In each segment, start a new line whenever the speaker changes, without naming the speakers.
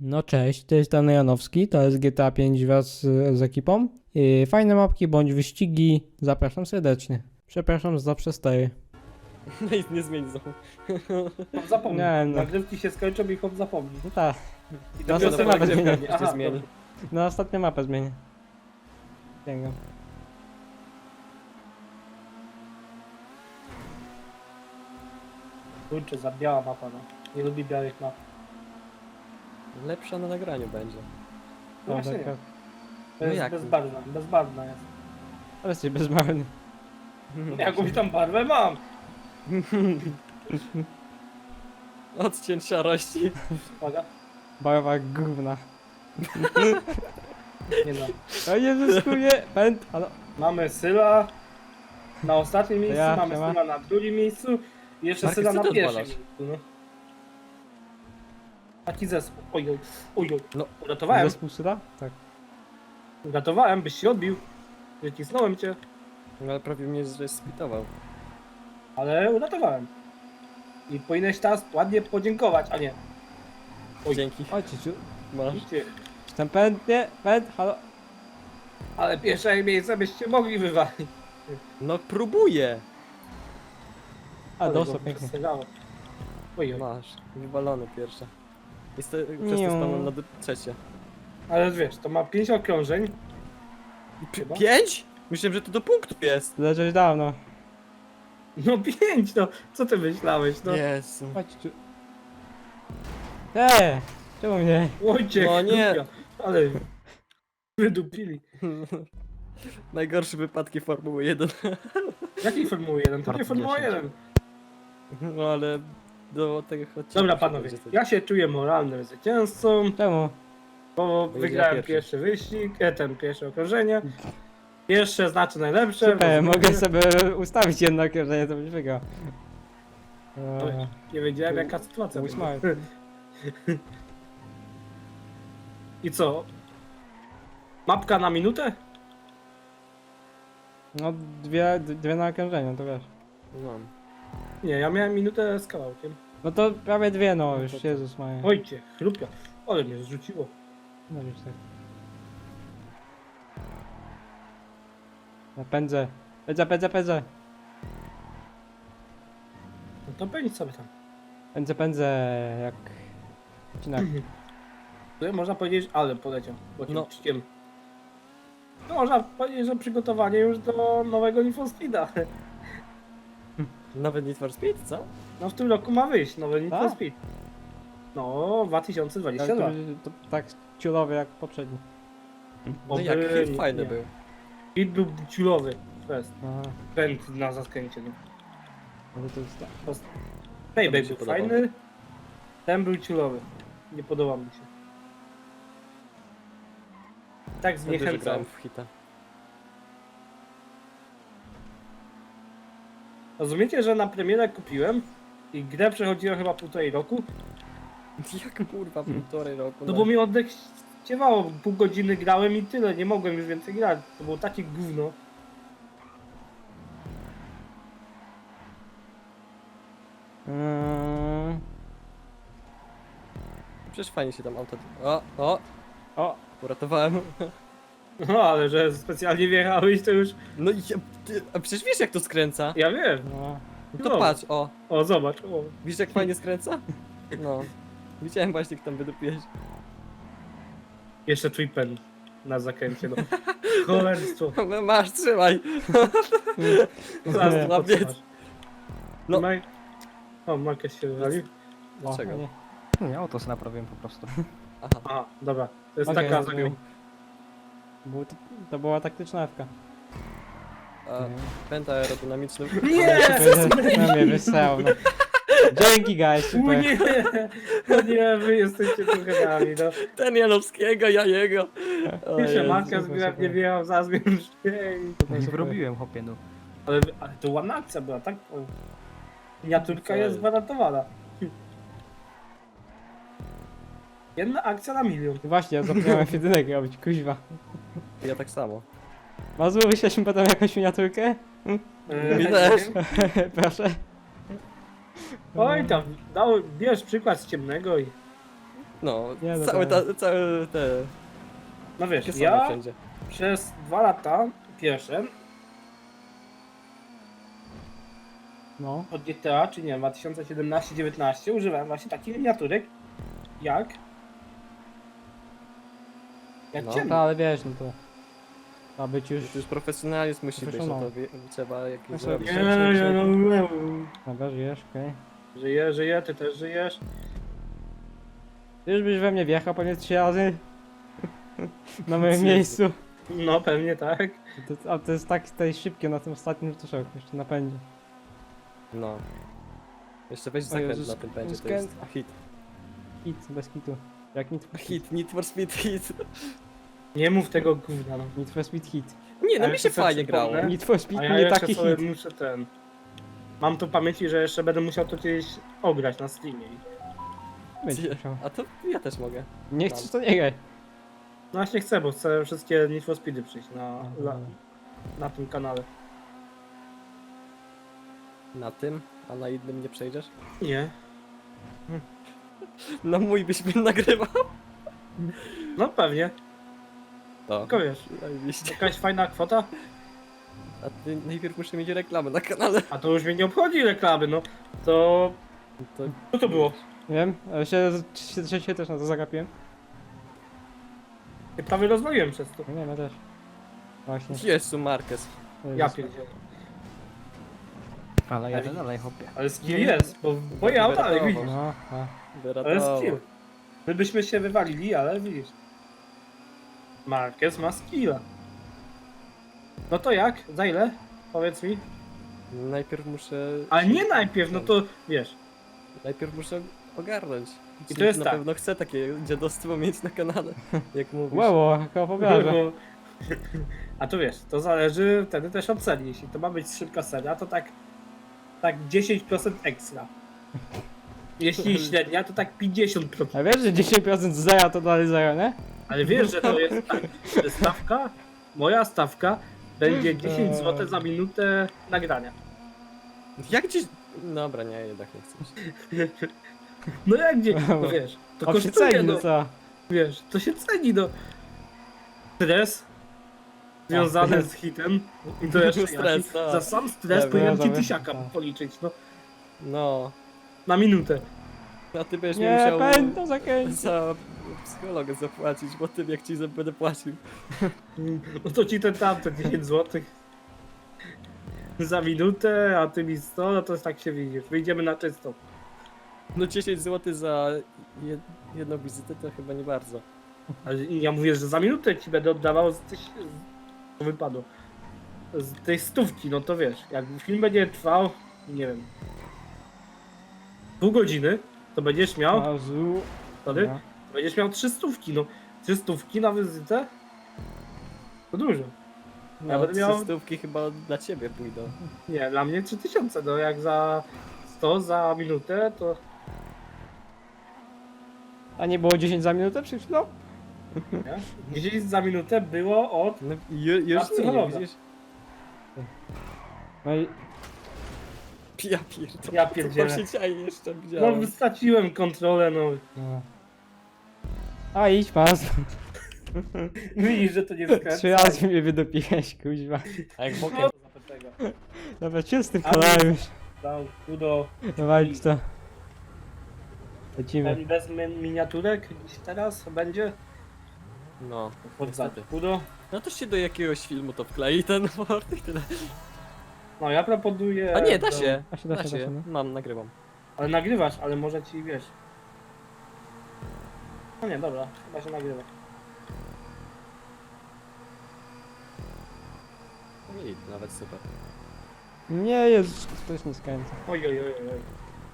No cześć, to jest Dan Janowski, to jest GTA 5 wraz z ekipą. Fajne mapki bądź wyścigi, zapraszam serdecznie. Przepraszam za przestery.
No i nie zmieni znowu.
Hop zapomnij.
Nie, no.
Nagrywki się skończą i hop zapomnij.
No tak,
I
No,
dopiero
to
sobie
nawet
nagrywka
nie-
nie.
Się
Aha,
zmieni.
dobra.
na ostatnią mapę zmienię. Sięgam.
Kurczę, za biała mapa, no. Nie lubi białych map.
Lepsza na nagraniu będzie.
No właśnie
taka-
nie. To
No
jest
jak?
bezbarwna jest.
Ale jesteś bezmarny.
Jakąś tam barwę mam.
Odcień szarości.
Uwaga.
Barwa gówna.
Nie no.
O Jezus, kurde, pęd, halo.
Mamy Syla na ostatnim miejscu,
ja,
mamy
siema.
Syla na drugim miejscu i jeszcze
Marek,
Syla
co
na
ty
pierwszym
odwalasz?
miejscu, no. Taki zespół. Ojoj, ojoj.
No.
Uratowałem,
Zespół Syla? Tak.
uratowałem, byś się odbił. Wycisnąłem cię,
No ale prawie mnie spitował.
ale uratowałem. I powinieneś teraz ładnie podziękować, a nie. Oj.
Dzięki.
Chodźcie, ciu.
Masz.
Idźcie.
Czy tam pęd, nie? Pęd, halo.
Ale pierwsze miejsce byście mogli wywalić.
No próbuję.
A,
Ale
dostał
go
pięknie.
przestrzelało. Ojoj.
Masz. Wywalone pierwsze. I przez
Niu.
to spadłem na trzecie.
Ale wiesz, to ma 5 okrążeń. Chyba?
5? Myślałem, że to do punktu jest.
Leżeć dawno.
No 5, no. Co ty myślałeś, no?
Jezu.
Chodź, ciu. Czemu mnie?
Ojciech,
No nie.
kurwa, ale wydupili.
Najgorsze wypadki Formuły 1.
Jakiej Formuły 1? To nie Formuła 1.
No ale do tego odcinka.
Dobra panowie, ja się czuję moralnym zwycięzcą,
Czemu?
bo
Bo
wygrałem
ja
pierwszy wyścig, pierwsze okrążenie. Pierwsze znaczy najlepsze.
Super,
bo
mogę sobie ustawić jedno okrążenie, to byś wygrał.
Oj, nie wiedziałem jaka sytuacja
Mój
będzie.
smart.
I co? Mapka na minutę?
No dwie na okrążenie, to wiesz.
No.
Nie, ja miałem minutę z kawałkiem.
No to prawie dwie, no
No
już,
to co?
Jezus Maria.
Ojcie, chrupia. Ale mnie zrzuciło.
No już tak. Ja pędzę. Pędzę.
No to pędź sobie tam.
Pędzę, jak... Cinak.
Tutaj można powiedzieć, ale poleciał. Bo
No.
no. No można powiedzieć, że przygotowanie już do nowego Need for Speeda.
Nawet Need for Speed, co?
No w tym roku ma wyjść nowy Need for
Tak?
Speed. No, 2022.
To tak ciulowy jak poprzedni.
No jak
Oby-
hit fajny
nie.
był.
Hit był ciulowy. To jest
Aha,
pęd na zaskręcie. Nie?
ale to jest tak.
Payback
się
był
podobał.
fajny. Ten był ciulowy. Nie podobał mi się. Tak
Wtedy, że
zniechęcał.
grałem w hita.
Rozumiecie, że na premierę kupiłem i grę przechodziłem chyba 1,5 roku?
Jak kurwa półtorej roku.
No bo mi oddech ściewało, pół godziny grałem i tyle, nie mogłem już więcej grać. To było takie gówno.
Przecież fajnie się tam auto...
O!
Uratowałem.
No ale że specjalnie wjechałeś to już,
No i a przecież wiesz jak to skręca.
ja wiem.
No.
No to
No.
patrz,
O zobacz, o.
widzisz jak fajnie skręca? No. Widziałem właśnie jak tam wydupiłeś.
Jeszcze twój pen na zakręcie, no. Cholerstwo.
No masz, trzymaj.
Zaraz
Nie.
to
Łapiec.
podtrzymasz.
No.
Trzymaj. O, Marquez się wywalił.
Dlaczego?
nie.
Nie, auto sobie naprawiłem po prostu.
Aha.
Aha, dobra. To jest
Okej,
taka
rozumiem. To była taktyczna F-ka.
A, pęta aerodynamiczny.
Nie!
No mnie wysłał, no. Dzięki guys,
U
super.
nie! No nie, wy jesteście trochę nami, no.
Ten Janowskiego, ja jego. O
Jeszcze
Jezu.
Marquez
super,
gra
super.
nie wjechał, zaraz mnie już... Ej.
Super.
Wyrobiłem hopie, no.
Ale to ładna akcja była, tak? O. Miniaturka
Co
jest
jest?
gwarantowana. Jedna akcja na milion.
Właśnie, ja zapomniałem jedynek robić, kuźwa.
Ja tak samo.
Mazu, wyślesz mi potem jakąś miniaturkę?
Mi też.
Proszę.
Oj tam, bierz przykład z ciemnego i...
No,
Nie, no
całe te...
No wiesz,
Takie same
ja
wszędzie.
przez 2 lata pierwsze
No.
od GTA, czy nie, 2017-19 używałem właśnie takich miniaturek jak
No.
ciemno.
No, ale wiesz, no to... Ma być już...
To już profesjonalizm musi być, no to
Profesjonalny.
trzeba jakieś
Proszę,
zrobić.
Nie, nie, no,
Dobra, żyjesz, okej.
żyję, ty też żyjesz.
Ty już byś we mnie wjechał pewnie 3 razy. Na moim
Jezu.
miejscu.
No pewnie tak.
A to jest tak tutaj szybkie na tym ostatnim, że to szok, jeszcze napędzie.
No. Jeszcze weź
O
zakręt
Jezus,
na tym pędzie, to
skręt.
jest hit.
Hit, bez kitu. Jak Need for Speed.
Hit, Need for Speed, hit.
Nie mów tego gówna, no.
Need for Speed hit.
Nie, no
Ale
mi się
to sobie
fajnie grało.
przypomnę.
Need for Speed
A ja
nie
jeszcze
taki
sobie
hit.
muszę ten... Mam tu w pamięci, że jeszcze będę musiał to kiedyś ograć na Steamie.
Będzie musiał.
A to ja też mogę.
Nie chcesz, to nie graj.
No właśnie chcę, bo chcę wszystkie Need for Speedy przyjść na tym kanale.
Na tym, a na innym nie przejdziesz?
Nie.
No mój byś mnie nagrywał.
No pewnie,
To.
tylko wiesz,
Zajebiście.
jakaś fajna kwota,
A ty najpierw muszę mieć reklamę na kanale.
a to już mnie nie obchodzi reklamy, no. To...
To...
Co to było?
Nie wiem, ale się też na to zagapiłem.
Ja prawie rozwaliłem przez to.
No nie, ja też. Właśnie.
Jezu, Marquez.
Ja pierdzielę.
Ale jadę dalej, hopie.
Ale skill jest, bo moje auto, ale widzisz.
No, a.
Ale
Wyratował.
skill. My byśmy się wywalili, ale widzisz. Marquez ma skilla. No to jak? Za ile? Powiedz mi.
Najpierw muszę...
Ale nie najpierw, no to wiesz.
Najpierw muszę ogarnąć.
I to jest
na
tak.
pewno chcę takie dziadostwo mieć na kanale, jak mówisz.
Wow, jaka opowiada.
A to wiesz, to zależy wtedy też od serii. Jeśli to ma być szybka seria, to tak 10% ekstra. Jeśli średnia, to tak 50%.
A wiesz, że 10% z zera to dalej zero, nie?
Ale wiesz, że to jest tak, że stawka, moja stawka będzie 10 zł za minutę nagrania.
Jak dziś... Dobra, nie, jednak nie chcę.
No jak gdzie? No wiesz, to
A się
kosztuje,
ceni,
no
no co?
wiesz, to się ceni, no. Stres związany z hitem. I to jeszcze
Stres,
jaki?
tak.
Za sam stres
Tak,
powinienem ci
tak.
1000
Tak.
policzyć, no.
No.
Na minutę.
A ty będziesz mi
Nie,
musiał
pęta zakręcić.
za psychologę zapłacić, bo tym jak ci będę płacił.
No to ci ten tamte 10 zł za minutę, a ty mi 100, no to tak się widzisz. Wyjdziemy na czysto.
No 10 zł za jedną wizytę to chyba nie bardzo.
Ale ja mówię, że za minutę ci będę oddawał to wypadło. Z tej stówki, no to wiesz, jak film będzie trwał, nie wiem, pół godziny, to będziesz miał,
Mazu.
wtedy,
No.
będziesz miał 300 no. 300 na wizytę? To dużo.
No,
Ja będę miał-
300 chyba dla ciebie pójdą.
Nie, dla mnie 3000, no jak za 100 za minutę, to
A nie było 10 za minutę przed chwilą?
nie? 10 za minutę było od...
No, już nie,
psychologa.
widzisz?
No i...
Ja pierdolę.
Ja
Co
pierdzielę.
tam się dzieje jeszcze
No
widziałem.
straciłem kontrolę, no.
No. A idź pas.
Widzisz, że to nie skręca.
3 razy mnie wydopiłeś, kuźwa.
A jak bokiem...
Dobra, czystym
Ale-
kolorem już.
Dał kudo.
Dawaj to. Lecimy.
Ten bez miniaturek dziś teraz będzie?
No,
Poddać
niestety.
kudo.
No to się do jakiegoś filmu to wklei ten word i tyle.
No ja proponuję...
A nie, da
do-
się.
Da się, da
Da
się, da
się.
się, no.
Mam, nagrywam.
Ale nagrywasz, ale może ci wiesz. No nie, dobra, chyba się nagrywa.
I nawet super.
Nie, Jezus, to jest nie skręca.
Oj, oj, oj, oj.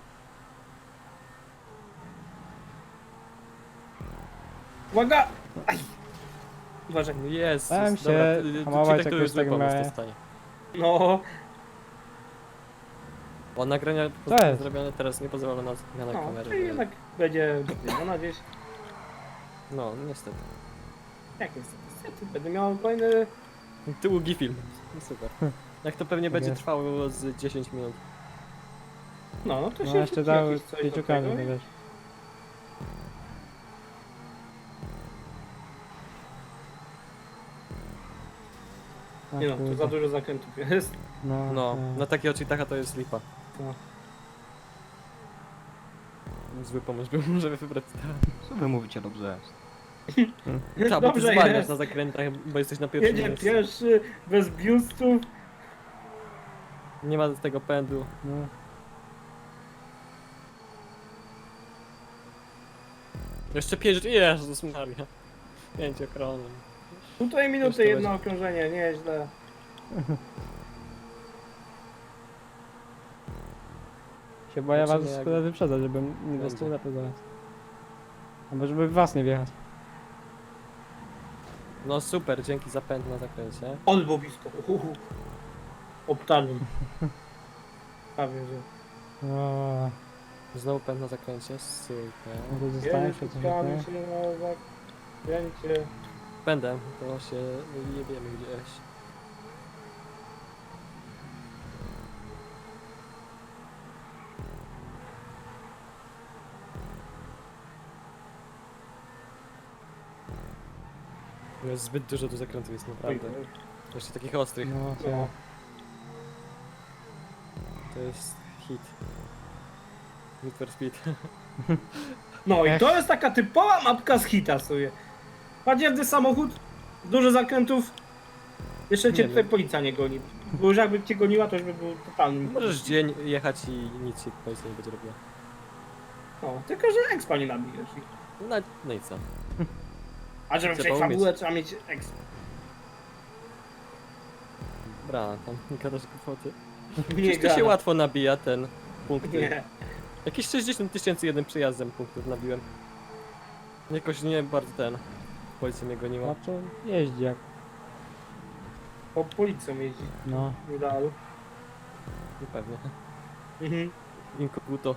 Uwaga! Aj! Uważaj.
No Jezus,
Bałem się
dobra,
hamować,
ci tak to
jak
już
już tak
zły pomysł
miałem.
dostanie.
No,
Bo nagrania
Co jest?
zrobione teraz nie pozwolą na zmianę
no,
kamery.
czyli jednak będzie zmieniona gdzieś.
No, niestety.
Jak jest? Niestety, będę miał kolejny...
Długi film. No super. Jak to pewnie będzie
jest.
trwało z 10 minut.
No, to się
No jeszcze
wrzuci
dały
jakieś coś do
5
tego
kamień,
i-
wiesz. A,
Nie no, tu
kurde.
za dużo zakrętów jest.
No,
No, na takiego cheatacha to jest lipa.
No.
Zły pomysł był, żeby wybrać.
Co wy mówicie, dobrze jest.
Tak, bo ty
Dobrze
zwalniasz
jest.
na zakrętach, bo jesteś na pierwszym
Jedzie
miejscu.
pierwszy, bez biustów.
Nie ma tego pędu.
no.
Jeszcze 5, Jezus Maria. 5 okrążeń.
Półtorej minuty,
Jeszcze
jedno okrążenie, nieźle.
Się boję was
Zobaczymy, jak-
skoro wyprzedzać, żebym nie
będzie.
dostał lepiej zaraz. Albo żeby w was nie wjechać.
No super, dzięki za pęd na zakręcie.
Albo blisko. Obtarłem. Prawie, że.
O,
Znowu pęd na zakręcie, super.
no to zostałem się coś
Jedziemy
nie?
się na zakręcie.
Pędem, to się jebiemy gdzieś. Jest zbyt dużo tu zakrętów jest naprawdę. Jeszcze takich ostrych.
No, co?
No.
To jest hit. Need for Speed.
No i to jest taka typowa mapka z hita sobie. Badziewny samochód, dużo zakrętów. Jeszcze cię
Nie
tutaj
wiem.
policja nie goni. Bo już jakby cię goniła, to już by był totalnym.
Możesz dzień jechać i nic ci policja nie będzie robiła.
No, tylko że expa nie nabijesz.
No i co?
A żeby
Trzeba
przejść
umieć.
fabułę, trzeba mieć expa.
Bra, tam nie gadasz kłopoty.
Nie
Przecież to się
gada.
łatwo nabija ten punkt.
Nie.
Jakieś 60 000 jednym przejazdem punktów nabiłem. Jakoś nie bardzo ten. Policja mnie goniła.
No to jeździ jak.
Po policją jeździ.
No.
W idealu.
No pewnie.
Mhm.
Inkoguto.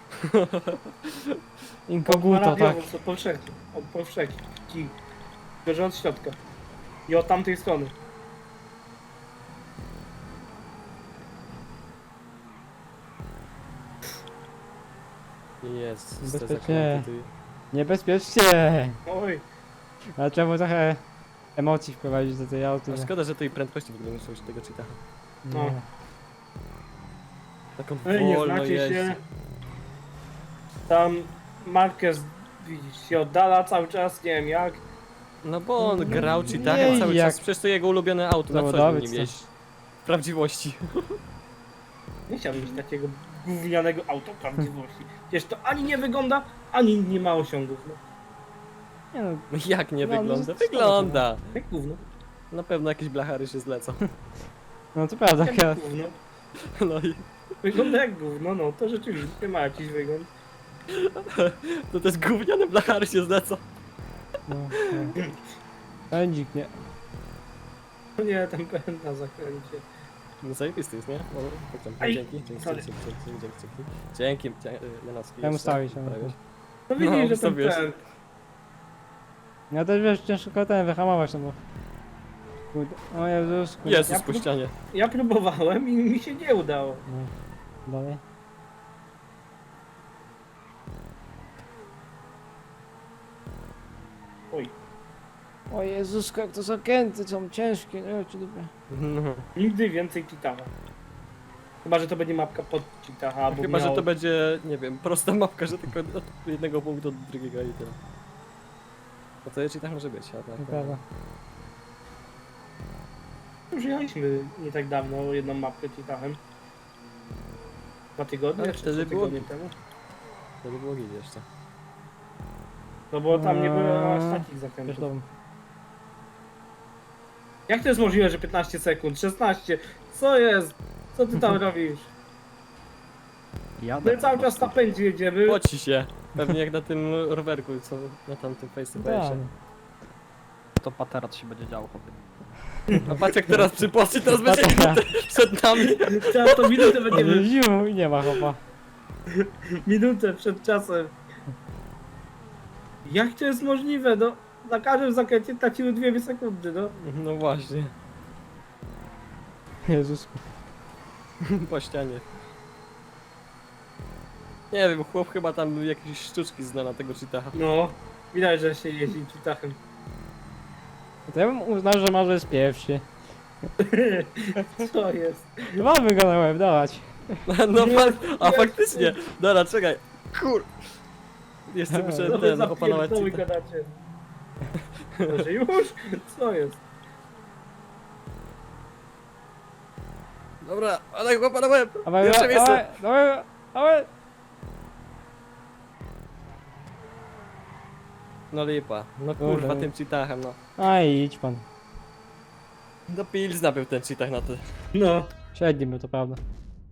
Inkoguto, tak.
Co powszechnie. Od powszechnie. Tylko że od środka. I od tamtej strony.
Jest. te
Bezpiecznie.
zakręty tu-
Niebezpiecznie!
Oj.
Ale trzeba trochę emocji wprowadzić do tej auty.
A szkoda, że tej prędkości w ogóle nie muszę użyć tego cheata.
No.
Taką
Ej, nie
wolno
znacie
jeździ.
się. Tam Marquez, widzisz, się oddala cały czas, nie wiem jak.
No bo on grał
Nie,
cheatachem cały
jak-
czas. Przecież to jego ulubione auto. Na co
Zawodowiec
nim
to.
jeździ? W prawdziwości.
Nie chciałbym mieć takiego gównianego auto prawdziwości. Przecież to ani nie wygląda, ani nie ma osiągów. No.
Nie no,
No jak nie
No, no,
wygląda?
to
Wygląda!
Jak gówno.
Na pewno jakieś blachary się zlecą.
no to prawda,
Jak
akurat.
gówno.
No i
Wygląda jak gówno, no to rzeczywiście ma jakiś wygląd.
to też gówniane blachary się zlecą.
No, no. Pędzik, nie.
No nie, ten pęd na zakręcie.
No zajebisty jest, nie? No, tak tam.
Aj,
Dzięki, dzięki,
sorry.
dzięki, Lenowski.
Chciałem
jeszcze
ustawić, ale-
poprawiać.
No widzisz,
No,
że ten
ustawiłeś.
pęd.
Ja też wiesz, ciężko ten wyhamować, no bo... Kurde. O Jezus, kurde.
Jezus
Ja
po ścianie.
Ja próbowałem i mi się nie udało.
No. Dalej.
Oj.
O Jezus, jak to zakręty są ciężkie, nie wiem czy dupę.
No.
Nigdy więcej Titaha. Chyba, że to będzie mapka pod Titaha, albo
Chyba, że
miał...
to będzie, nie wiem, prosta mapka, że tylko od jednego punktu do drugiego i tyle. No to jeszcze tak może być, a tak.
Nieprawda.
Już jechaliśmy nie tak dawno jedną mapkę Titahem. 2 tygodnie,
Ale
czy
wtedy
3
było
tygodnie
git.
temu.
To by było git jeszcze.
No bo tam nie było aż takich
Wiesz
zakrętów.
to.
Jak to jest możliwe, że 15 sekund? 16? Co jest? Co ty tam robisz?
Jadę
My cały
po
czas na
prostu.
pędzie jedziemy.
Poci się. Pewnie jak na tym rowerku, co na tamtym face to
Tak.
face.
To paterat się będzie działo, chłopie.
A patrz jak teraz przypoczy, teraz będzie przed nami.
Teraz to minutę będziemy.
Ziu i nie ma chopa.
Minutę przed czasem. Jak to jest możliwe? No, na każdym zakręcie traciły 2 sekundy, no.
No właśnie,
Jezus.
po ścianie. Nie wiem, chłop chyba tam jakieś sztuczki zna na tego cheataha.
No, widać, że się jeździ Titachem.
To ja bym uznał, że może jest pierwszy.
Co jest?
Mamy go na łeb, dawać.
No
Nie,
a
nie,
faktycznie. Dobra, czekaj. Kur... Jeszcze muszę
No wy
ten opanować
zapierdoły
cheata.
gadacie. Może już? Co jest?
Dobra, ale go opanowałem.
Dawaj,
Pierwsze
dawaj,
miejsce.
dawaj, dawaj.
No lipa. No
Dobra.
kurwa, tym cheatachem, no.
Aj, idź pan.
Do Pilzna był ten cheatach na ty.
No.
Średni był, to prawda.